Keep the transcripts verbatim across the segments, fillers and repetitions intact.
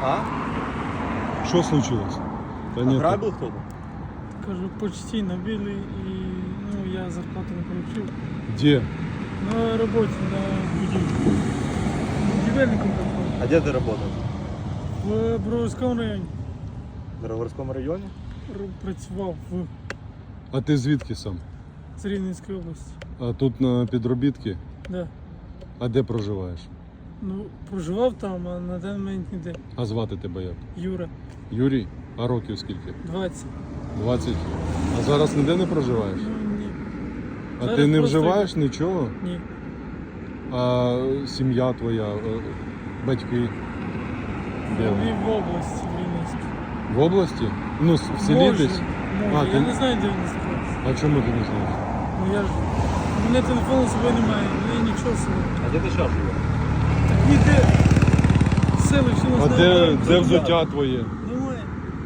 А? Что случилось? Да нет. Ограбил кто-то? Кажу, почти набили и ну, я зарплату не получил. Где? На работе, на будильнике. Будильником попал. А где ты работал? В Броварському районі. В Драворском районе? Р- Працював в А ти звідки сам? з Рівненської області. А тут на підробітки? Да. А де проживаєш? Ну, проживав там, а на даний момент ніде. А звати тебе як? Юра, Юрій? А років скільки? двадцять. двадцять. А зараз ніде не проживаєш? Ну, ні. А Зараз ти не просто- вживаєш нічого? Ні. А сім'я твоя, е, батьки? Де Я вони? в області в Рівненській. В області? Ну, с- в селі Може, десь? може. А, я ти- не знаю, де він знаходиться. А чому ти не знаєш? Ну я ж. У мене телефону з собою немає, у мене нічого з собою. А где ты сейчас живешь? Так ніде. Селище нас А не де, знає. де взуття твоє? Немає.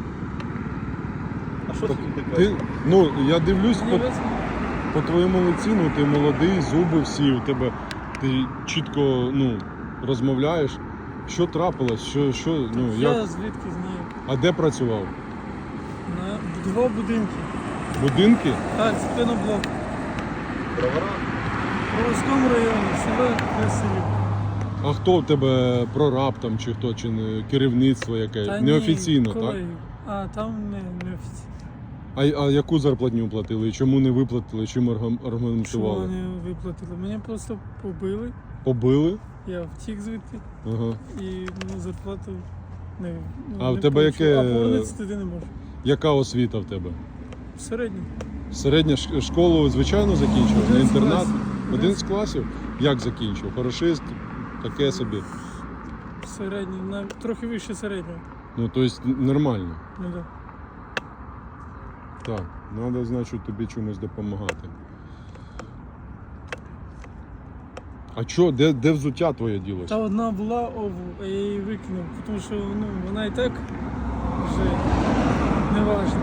А что Так ты Ти, ну, я дивлюсь Мені по, весело. по твоєму лиці, ну ти молодий, зуби всі, у тебе ти чітко ну, розмовляєш. Що трапилось? Що, що, ну, Я як? звідки знаю. А де працював? На будував будинки. Будинки? Так, спиноблок. Бровара? В Броварському районі, село Красилів. А хто в тебе прораб там чи хто, чи не, керівництво яке? Та ні, Неофіційно, так? колеги. А, там не, не офіційно. А, а яку зарплатню платили? І чому не виплатили? Чим аргум- Що аргументували? вони виплатили? Мене просто побили, Побили? я втік звідти Ага. і ну, зарплату не ну, А в не тебе получив. яке- А повернутися туди не можу. Яка освіта в тебе? Середній. Середня ш- школу, звичайно, закінчив? На Один з інтернат? класів. Один з класів? Як закінчив? Хорошист? Таке собі. Середній, навіть трохи вище середнього. Ну, тобто нормально. Ну да. Так, треба, значить, тобі чомусь допомагати. А що, де, де взуття твоє ділося? Та одна була обув, а я її викинув, тому що ну, вона і так вже не важна.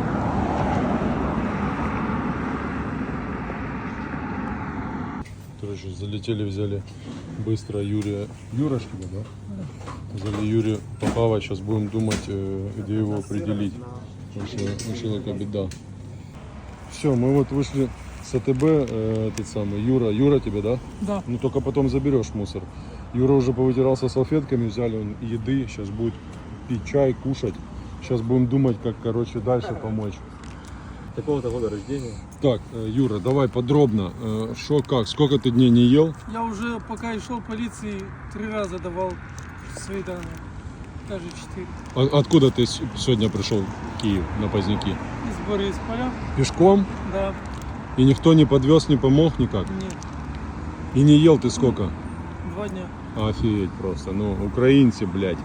Короче, залетели, взяли быстро Юрия. Юра, что ли, да? Взяли Юрия Попава, сейчас будем думать, э, где его определить. Потому что у человека беда. Все, мы вот вышли с АТБ, э, этот самый, Юра, Юра тебе, да? Да. Ну только потом заберешь мусор. Юра уже повытирался салфетками, взяли он еды, сейчас будет пить чай, кушать. Сейчас будем думать, как, короче, дальше помочь. Какого-то года рождения? Так, э, Юра, давай подробно, что как, сколько ты дней не ел? Я уже пока йшов поліції, три рази давав свої дані. Даже чотири. А- Откуда ты с- сегодня пришел в Киев на Поздняки? Із Борисполя. Пешком? Да. И никто не подвез, не помог никак? Ні. И не ел ты сколько? Два дня. Офигеть просто, ну, украинцы, блядь.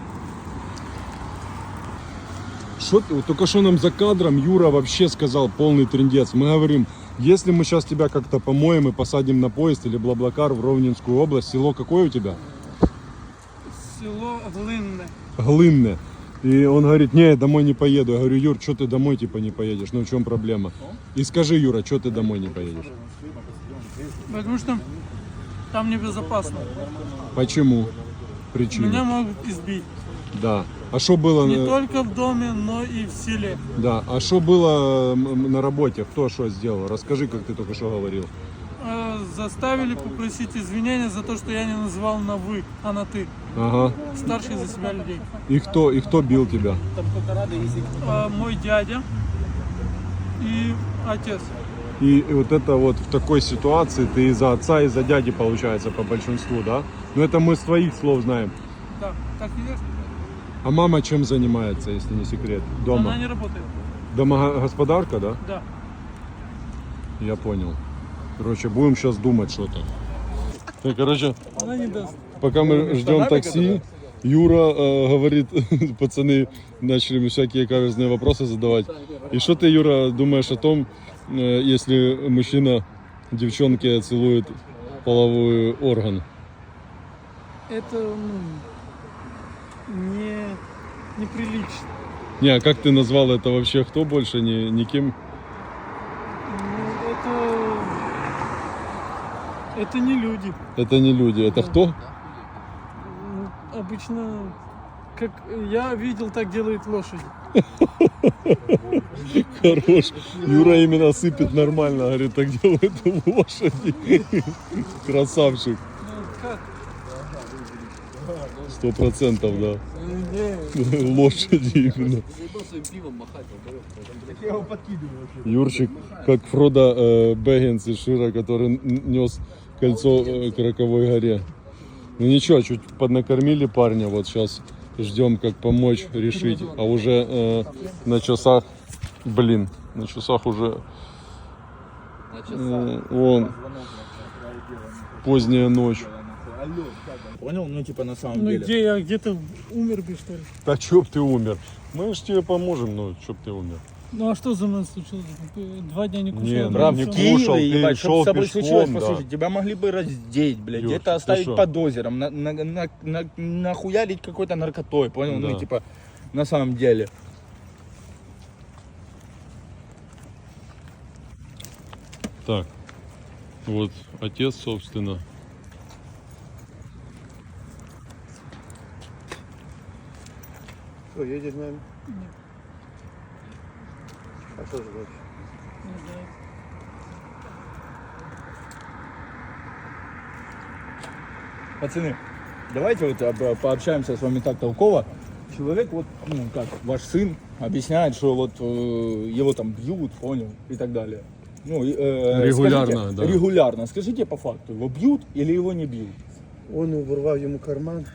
Что ты, вот только что нам за кадром Юра вообще сказал полный трындец. Мы говорим, если мы сейчас тебя как-то помоем и посадим на поезд или Блаблакар в Ровненскую область, село какое у тебя? Село Глинне. Глынное. И он говорит, не, домой не поеду. Я говорю, Юр, что ты домой типа не поедешь? Ну в чем проблема? И скажи, Юра, что ты домой не поедешь? Потому что там небезопасно. Почему? Причина? Меня могут избить. Да. А что было? Не на- только в доме, но и в селе. Да. А что было м, на работе? Кто что сделал? Расскажи, как ты только что говорил. Э, Заставили попросить извинения за то, что я не называл на «вы», а на «ты». Ага. Старших за себя людей. И кто? И кто бил тебя? Э, Мой дядя и отец. И вот это вот в такой ситуации ты из-за отца, из-за дяди получается по большинству, да? Но это мы с твоих слов знаем. Да, так и есть. А мама чем занимается, если не секрет? Дома? Она не работает. Домогосподарка, да? Да. Я понял. Короче, будем сейчас думать что-то. Так, короче, Она не даст. пока мы ждем такси, Юра э, говорит, пацаны начали мне всякие каверзные вопросы задавать. И что ты, Юра, думаешь о том, э, если мужчина девчонке целует половой орган? Это ну, не неприлично. Не, а как ты назвал это вообще? Кто больше? Ни, никем? Ну, это это не люди. Это не люди. Это кто? Ну, обычно как я видел, так делают лошади. Хорош. Юра именно сыпет нормально, говорит, так делают лошади. Красавчик. Ну, как? Сто процентов, да. Не, Лошади именно. Юрчик, как Фродо э, Бэггинс из Шира, который н- нес кольцо э, к Роковой горе. Ну ничего, чуть поднакормили парня, вот сейчас ждем, как помочь решить. А уже э, на часах, блин, на часах уже э, вон, поздняя ночь. Понял? Ну, типа, на самом ну деле. где я где-то умер бы, что ли? Да чё б ты умер? Мы ж тебе поможем, но чё б ты умер? Ну а что за мной случилось? Два дня не кушал. Не, ну, Брат, не в всё. ку- кушал, Киеве, ты ебать, шел что с тобой пешком, случилось, да. послушай, тебя могли бы раздеть, блядь, Юрчик, где-то ты оставить шо? под озером, на, на, на, на- нахуярить какой-то наркотой, понял? Да. Ну, типа, на самом деле. Так, вот отец, собственно. Что, едешь с нами? Нет. А что же дальше? Не знаю. Пацаны, давайте вот об- пообщаемся с вами так толково. Человек, вот, ну, как, ваш сын объясняет, что вот э, его там бьют, понял, и так далее. Ну, и, э, Регулярно, скажите, да. Регулярно. Скажите по факту, его бьют или его не бьют? Он урвав ему карман.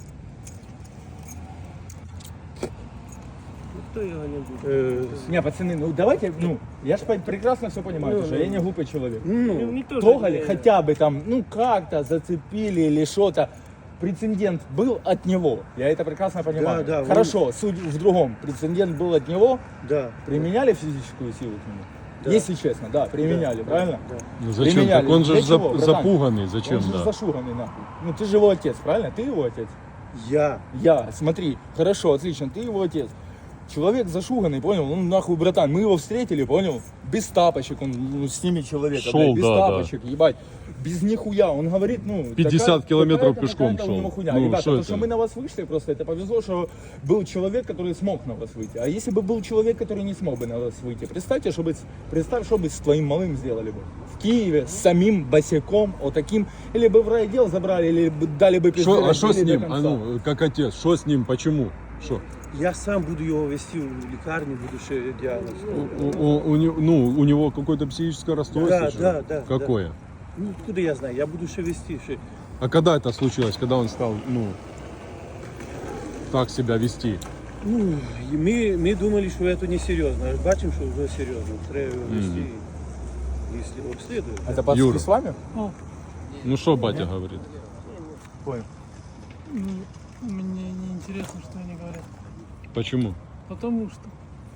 Ніхто його не буде. Не, пацаны, ну давайте, ну, я же прекрасно все понимаю, Ну, что ну. я не глупый человек. Ну, Трогали хотя бы там, ну как-то зацепили или что-то. Прецедент был от него, я это прекрасно понимаю. Да, да, Хорошо, суть в другом. Прецедент был от него, да. применяли физическую силу к нему? Да. Если честно, да, применяли, Да, правильно? да. Ну зачем? Применяли. Так он же Для ж чего, зап- братан? запуганный, зачем, Он же да? зашуганный нахуй. Ну ты же его отец, правильно? Ты его отец. Я. Я, смотри, хорошо, отлично, ты его отец. Человек зашуганный, понял? Он нахуй, братан, мы его встретили, понял? Без тапочек, он ну, с ними человека, Шел, блядь, без да, тапочек, ебать. Без нихуя, он говорит, ну... пятьдесят такая- километров какая-то- пешком какая-то у него шел. хуйня. Ну, Ребята, что то, это? что мы на вас вышли, просто это повезло, что был человек, который смог на вас выйти. А если бы был человек, который не смог бы на вас выйти, представьте, что бы, представь, что бы с твоим малым сделали бы. В Киеве с самим босиком, вот таким, или бы в райотдел забрали, или бы дали бы пизды, Шо, а что с разбили до ним? А конца. ну, как отец, что с ним, почему? Что? Я сам буду його вести в лікарню, буду ще діагноз. У, у- у него- ну, у него какое-то психическое расстройство? Да, что да, ли? да, Какое? Ну, откуда я знаю? Я буду ще вести. Ще... А когда это случилось? Когда он стал, ну, так себя вести? Ну, і ми, ми думали, що це не серйозно. А бачимо, що вже серйозно. Треба його вести, якщо обслідують. Это пацаны Юра. с вами? О, Ну, что батя говорит? Понял. ну, мне не интересно, что они говорят. Почему? Потому что.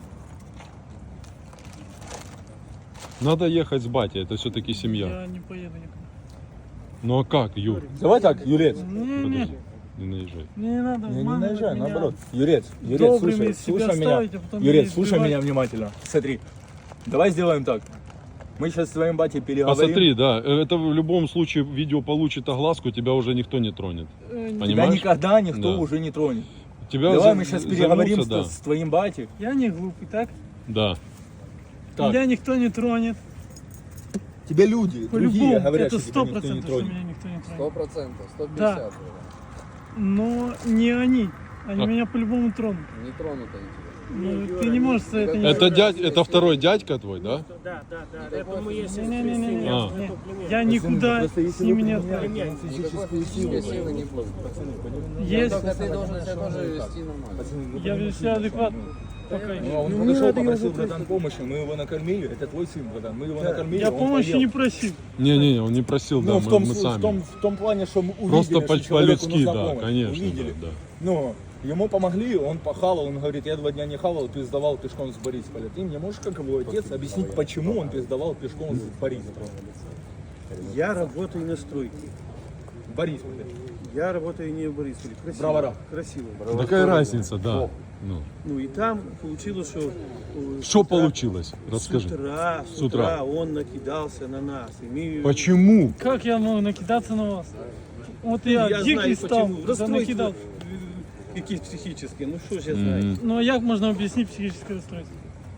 Надо ехать с батей, это все-таки семья. Я не поеду никуда. Ну а как, Юр? Давай так, Юрец. Не, не, Подожди, не наезжай. мне не надо Не, не обманывать наезжай, меня. наоборот. Юрец, Юрец, Добрыми слушай, себя слушай меня. ставить, а потом Юрец, меня слушай избивать. меня внимательно. Смотри, давай сделаем так. Мы сейчас с твоим батей переговорим. Посмотри, да, это в любом случае видео получит огласку, тебя уже никто не тронет. Э, не- Тебя Понимаешь? никогда никто Да. уже не тронет. Тебя Давай за- мы сейчас займутся, переговорим с, да. с твоим батей. Я не глупый, так? Да. Так. Меня никто не тронет. Тебе люди, другие По-любому, говорят, это что сто тебя никто не процентов, что тронет. меня никто не Сто тронет. процентов, сто пятьдесят. Но не они. Они А. меня по-любому тронут. Не тронут они тебя. Ну, ты не можешь за это не Это дядь, это второй дядька твой, да? Да, да, да. Это мы есть. Не-не-не, А. я никуда Просто с если ними вы не применяете отправлюсь. Никакой физической силы не будет. Есть, Только ты должен себя тоже вести нормально. я веду себя адекватно. Пока Ну, еще. а он Ну, подошел, мне надо попросил, его братан, помощи, мы его накормили, это твой сын, братан, мы его накормили, Я он помощи поел. не просил. Не-не, он не просил, да, Ну, в мы, том, мы в, сами. том, в том плане, что мы увидели, Просто что по- человеку по-людски, нужна да, помощь. конечно, Увидели. да, да. Но ему помогли, он похавал, он говорит, я два дня не хавал, пиздовал пешком с Борисполя. Ты мне можешь, как его отец, объяснить, почему он пиздовал пешком с Борисполя? Я работаю на стройке. В Борисполе. Я работаю не в Борисполе. Красиво. Бровара. Красиво. Какая разница, да. Ну, Ну и там получилось, что... э, с что утра- получилось? Расскажи. С утра, с С утра. утра он накидался на нас. И мы... Почему? Как я могу накидаться на вас? Вот я Я дикий знаю, стал, почему. В да расстройстве. накидал. якісь психічні, ну що ж я знаю. Мгм. Ну а як можна об'яснити психічне розстройство?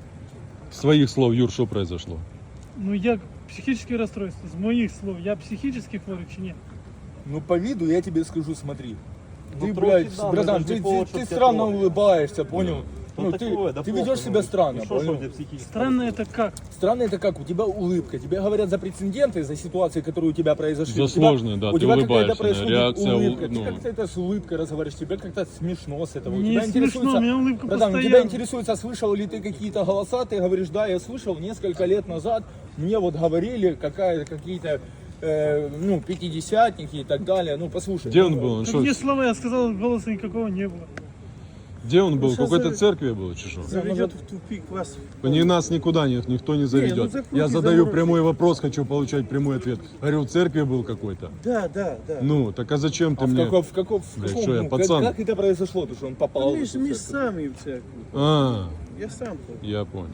С твоих слов, Юр, что произошло? Ну як психічне розстройство? З моїх слов, я психічно хворий чи ні? Ну по виду я тебе скажу, смотри. Ну, Ты, трохи блядь, да, братан, даже ты, не повод, ты, чтоб ты тебя странно трогали. улыбаешься, понял? Ну, Ну, ты, такое, да ты плохо, ведешь себя ну. странно, И что, что у понял? тебя психически? Странно это как? Странно это как? У тебя улыбка. Тебе говорят за прецеденты, за ситуации, которые у тебя произошли. За У тебя- сложные, да, у ты тебя какая-то улыбаешься, происходит реакция, улыбка. у- Ты ну. как-то это с улыбкой разговариваешь, тебе как-то смешно с этого. У Не тебя смешно, у интересуется... меня улыбка Братан, у тебя постоянно. интересуется, слышал ли ты какие-то голоса, ты говоришь, да, я слышал несколько лет назад, мне вот говорили какая, какие-то э, ну, пятидесятники и так далее. Ну, послушай. Где ну, он был? Он Какие что, слова я сказал, голоса никакого не было. где он был? В щас какой-то за- церкви был, чи что? Заведет в тупик вас. Ни нас никуда ни- никто не заведет. ну закройте, Я задаю заморозьте. прямой вопрос, хочу получать прямой ответ. Говорю, в церкви был какой-то. Да, да, да. Ну, так а зачем ты А в мне? каком, в каком, в Блядь, каком, что я, ну, как, пацан? как это произошло, то, что он попал в Ми эту ж ми ж церковь? самі в церкві. А, Я сам ходив. я понял.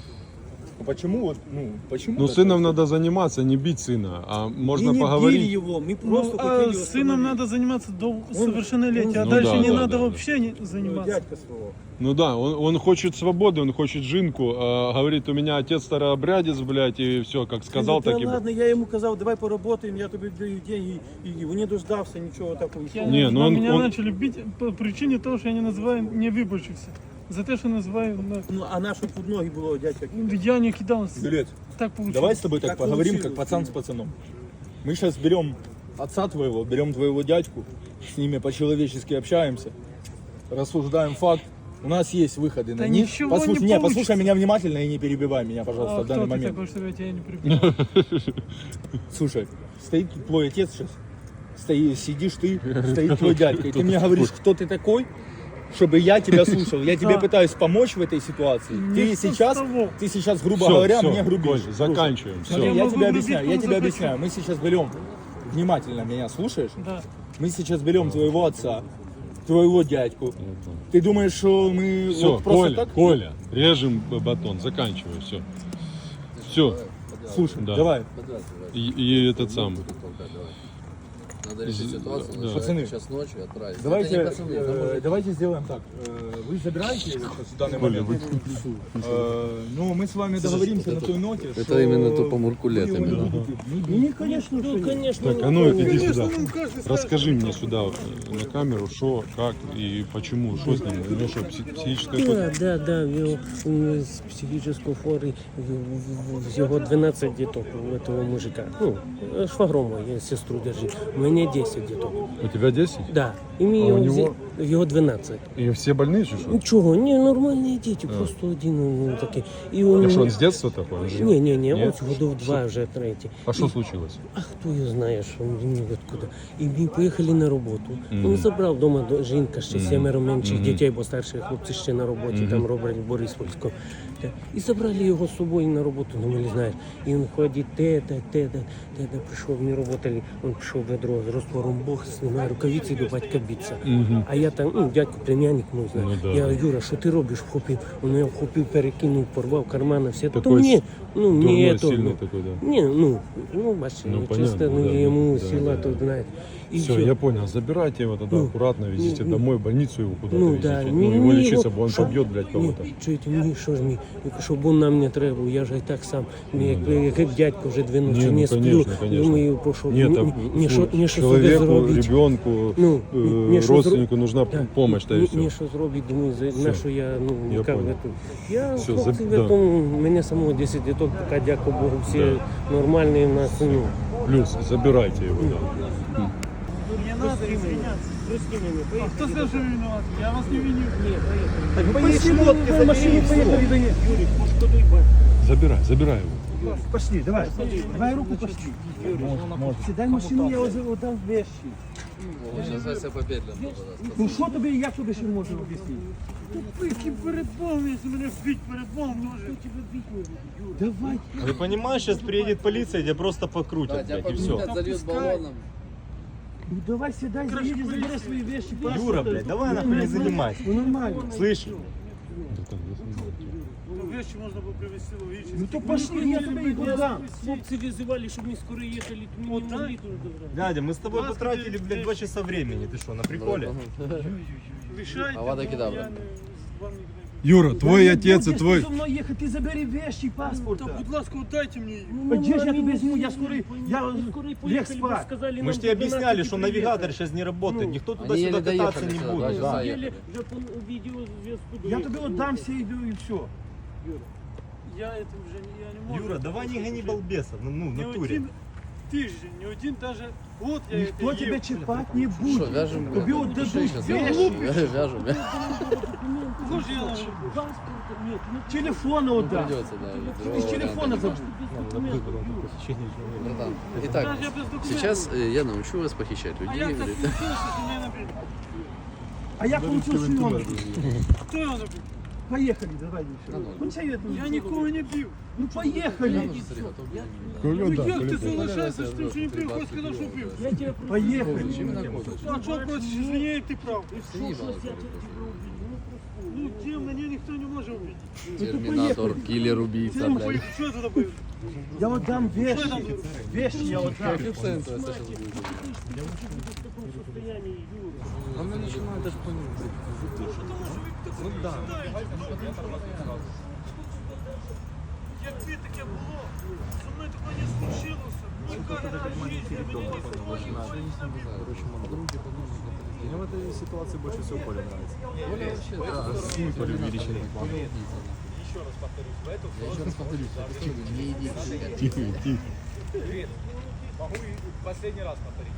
А почему вот, ну, почему? Ну, так сыном происходит? надо заниматься, не бить сына, а можно Ми не били поговорить. його, ми Ну, просто а хотіли с сыном остановить. надо заниматься до совершеннолетия, а Ну дальше да, не да, надо да, да. вообще не Ну, заниматься. дядька свого. Ну да, он, он хочет свободы, он хочет жинку, а, говорит, у меня отец старообрядец, блядь, и все, как сказал, Ну, так та и... ладно, я йому казав, давай поработаємо, я тобі даю деньги, і він не дождався нічого такого. Я, Не, ну а он- меня он- начали бить по причине того, что я не называю не выборщикся. За то, что называю... на- Ну, а на що під ноги було, дядька? Я не кидал. Билет. Так получилось. Давай с тобой так, Так поговорим, как получилось. пацан с пацаном. Мы сейчас берем отца твоего, берем твоего дядьку, с ними по-человечески общаемся, рассуждаем факт. У нас есть выходы Да на них. ничего Послушай, не не, получится. послушай меня внимательно и не перебивай меня, пожалуйста, А в данный кто ты момент. такой, что я тебя не прибил? Слушай, стоит твой отец сейчас, стоит, сидишь ты, стоит твой дядька, и ты мне говоришь, кто ты такой, чтобы я тебя слушал. Я тебе Да. пытаюсь помочь в этой ситуации. Ты Не сейчас, с того. ты сейчас, грубо Всё, говоря, всё, мне грубишь. Коль, заканчиваем, Смотри, Я все. я могу тебе грубить, объясняю, я кому тебе захочу. объясняю. Мы сейчас берем, внимательно меня слушаешь? Да. Мы сейчас берем твоего отца, твоего дядьку. Ты думаешь, что мы Все, вот просто Коля, так? Коля, режем б- батон, заканчивай, все. Все, Слушай, Да. давай, и, и этот сам. Надо решить ситуацию. Да. Пацаны, Сейчас ночью отправить. давайте, Это не пацаны, это э, мужики. давайте сделаем так. Э, Вы забираете его сейчас в данный Коля, момент. Э, Ну, мы с вами договоримся на той ноте, это что именно тупо муркулет вы его не именно. будете ни бить, Ні, звісно, ну, звісно. Так, а ну иди сюда. Расскажи мне сюда э, на камеру, что, как и почему, что с ним, у него что, пси- психическое Да, какое-то- да, да, в його м, з психічно хворий, в- в- з його дванадцять діток у этого мужика. Ну, швагром мой, я сестру держи. У мене десять діток. У тебя десять? Да. І мій А у його, нього? взя- його дванадцять. И все больные, чи что? Нічого, ні, нормальні діти, просто один ну, такий. І он, А что, он с детства такой? Он же- ні, ні, ні, Нет? ось годов два вже третій. А что случилось? А хто його знає, що він откуда. І ми поїхали на роботу. Він забрав вдома до- жінка ще семеро менших дітей, бо старші хлопці ще на роботі, там роблять в Бориспольську. Та, І забрали його з собою на роботу, ну ми не знаєш. І він ходить, те-та, те-та, те-та, прийшов, не роботали, він пішов в ведро з розтвором Бог, знімає рукавиці, до батька биться. А я там, ну, дядько, племянник мій, знає. Ну, да, Я, да. Юра, що ти робиш? Вхопив. Він його вхопив, перекинув, порвав кармани, все. То Такой ні, ну, Дурной, ні, то, сильный ну, такой, да. ні, ну, ну, бачите, Ну, ну, понятно, чисто, ну, да, йому да, сила, да, то, да. знаєте. І Все, всё. я понял. Забирайте его тогда Ну, аккуратно, везите ну, домой, в больницу его куда-то Ну, везите. да, Ну, ні, его ні, лечиться, його- бо он що- побьет, блядь, кого-то. Ні, чуєте, мені що ж мені, щоб він нам не треба, я ж і так сам, мені як, як, як дядько вже дві ночі Ні, ну, не сплю, конечно, конечно. думаю, про що, Нет, ні, там, ні, що, ні, що собі человеку, зробити. ребенку, Ну, э, ні, що родственнику зро- нужна Да. помощь, да и Ні, все. ні, що зробити, думаю, за, на що я, ну, Я як понял. тут. Я, Всё, хлопці, заб- в да. этом, мене самого десять діток, поки, дякую Богу, всі Да. нормальні у нас, ну, Плюс, забирайте его, да. Не надо извиняться. прости мене, А кто сказал, что вы виноваты? Я вас не виню. Так поїдь шмотки, забери машину поїхали до них. Юрій, пошкодуй батька. Забирай, забирай его. Пошли, давай. Давай руку пошли. Сідай в машину, я отдам вещи. Сейчас Вася помедленно подаст. Ну що тобі, як тобі ще можу об'яснити? Тупики перед Богом, если меня бить перед Богом тоже. Давай. Ты понимаешь, сейчас приедет полиция, тебя просто Да, покрутят, тебя блядь, и все. покрутят, зальют баллоном. Ну давай сідай, заїдь, забери свої вещи. Юра, блядь, давай нахуй не занимайся. Ну нормально. Слышишь? Ну, вещи можно было привезти логически. Ну то пошли, я тебе їх дам. Хлопці визивали, щоб ми скоро їхали, то ми не могли тут добрати. Дядя, мы с тобой потратили, блядь, два часа времени. Ты что, на приколе? рішайте. Авада бо кедавра. я не- з вами не- Юра, твой отец и Будеш твой... зі мною їхати, ти забери вещи, паспорт. Та, будь ласка, дайте мені її. Где ж я тебе возьму? Я скоро, я лег спать. Мы же тебе объясняли, что навигатор сейчас не работает. Никто Они туда-сюда еле кататься доехали не сюда, будет. два часа Да. ехали. Вже по відеозв'язку Я тебе отдам все и, и все. Я це вже не- я не можу. Юра, давай не гони балбеса, ну, ну в Не натуре. один тиждень, не один даже год я Никто это тебя ел. чипать не Что, будет. вяжем? Тебе блядь, отдадут души щас. вещи. Вяжем, вяжем. Може, я навіть- Телефон отдам. Придется, да. Ты другого с телефона варианта забудь. нет. Братан, итак, Даже я без документов. сейчас э, я научу вас похищать А людей. як так говорит. случилось, що мене набили? А я получил съемку. Хто його набив? Поехали, давай. Ну, Ну, чё я тут? Я нікого не бив. Ну, поехали. Коля, Ну да, як ти Коля, залишаєшся з тим, що не бив, хоч сказав, що бив. Поехали. А що проти, извини, ти прав. Ты не ебал, Ну, тим мене ніхто не може вбити. Терминатор, киллер, убийца, блядь. Що я туди бив? Я отдам Що я вещи. там бив? Вещи я отдам. Якби таке було, зі мною такого не случилося. Ніколи в житті мені не случилося. Мне в этой ситуации больше всего Коля нравится. Коля вообще, да. Коля увеличенный. Я еще раз повторюсь, не идите. Тихо, тихо. Могу и последний раз повторить.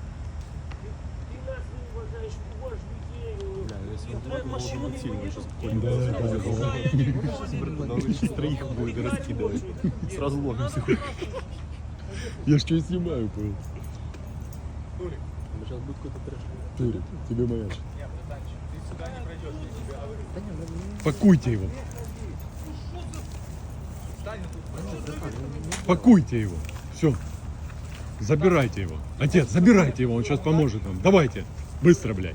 Бля, если он так машину сильно сейчас Да, да, он сейчас троих будет раскидывать. С разломом всех. Я ж что снимаю, понял? Сейчас будет какой-то трэш. Турик, тебе моя. Нет, братанчик, ты сюда не пройдешь, я тебе говорю. Пакуйте его. Встань тут. Пакуйте его. Все. Забирайте его. Отец, забирайте его, он сейчас поможет нам. Давайте. Быстро, блядь.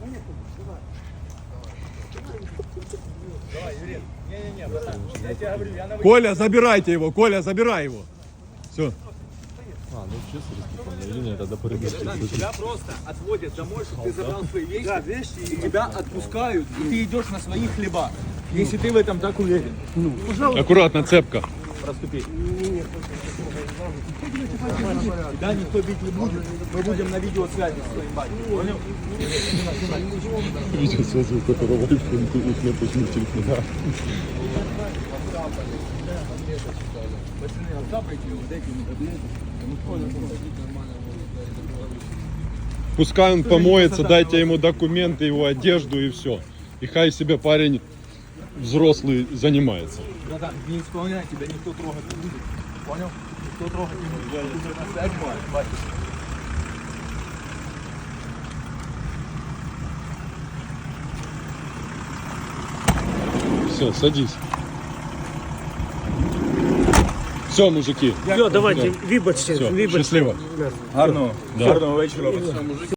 Давай, Юрий. Не-не-не, братан, я тебе говорю, я на Коля, забирайте его. Коля, забирай его. Все. А, ну честно, республика, или нет, тогда порядок. Тебя просто отводят домой, чтобы ты забрал свои вещи, да, вещи и тебя отпускают, и ты идешь на своих хлебах. Если ты в этом так уверен. Ну, пожалуйста, Аккуратно, цепка. проступи. Тебя никто бить не будет. Мы будем на видеосвязи с твоим батькой. Понял? Видео связываю, которого iPhone и кнопочный телефон. Пускай он помоется, дайте ему документы, его одежду и все. И хай себе парень взрослый занимается. Братан, не исполняй, тебя никто трогать не будет. Понял? Никто трогать не будет. Я буду на связь, батя. Все, садись. Все, мужики. Все, давайте, вибачте, Все, вибачте. счастливо. Гарного, Да. гарного вечора.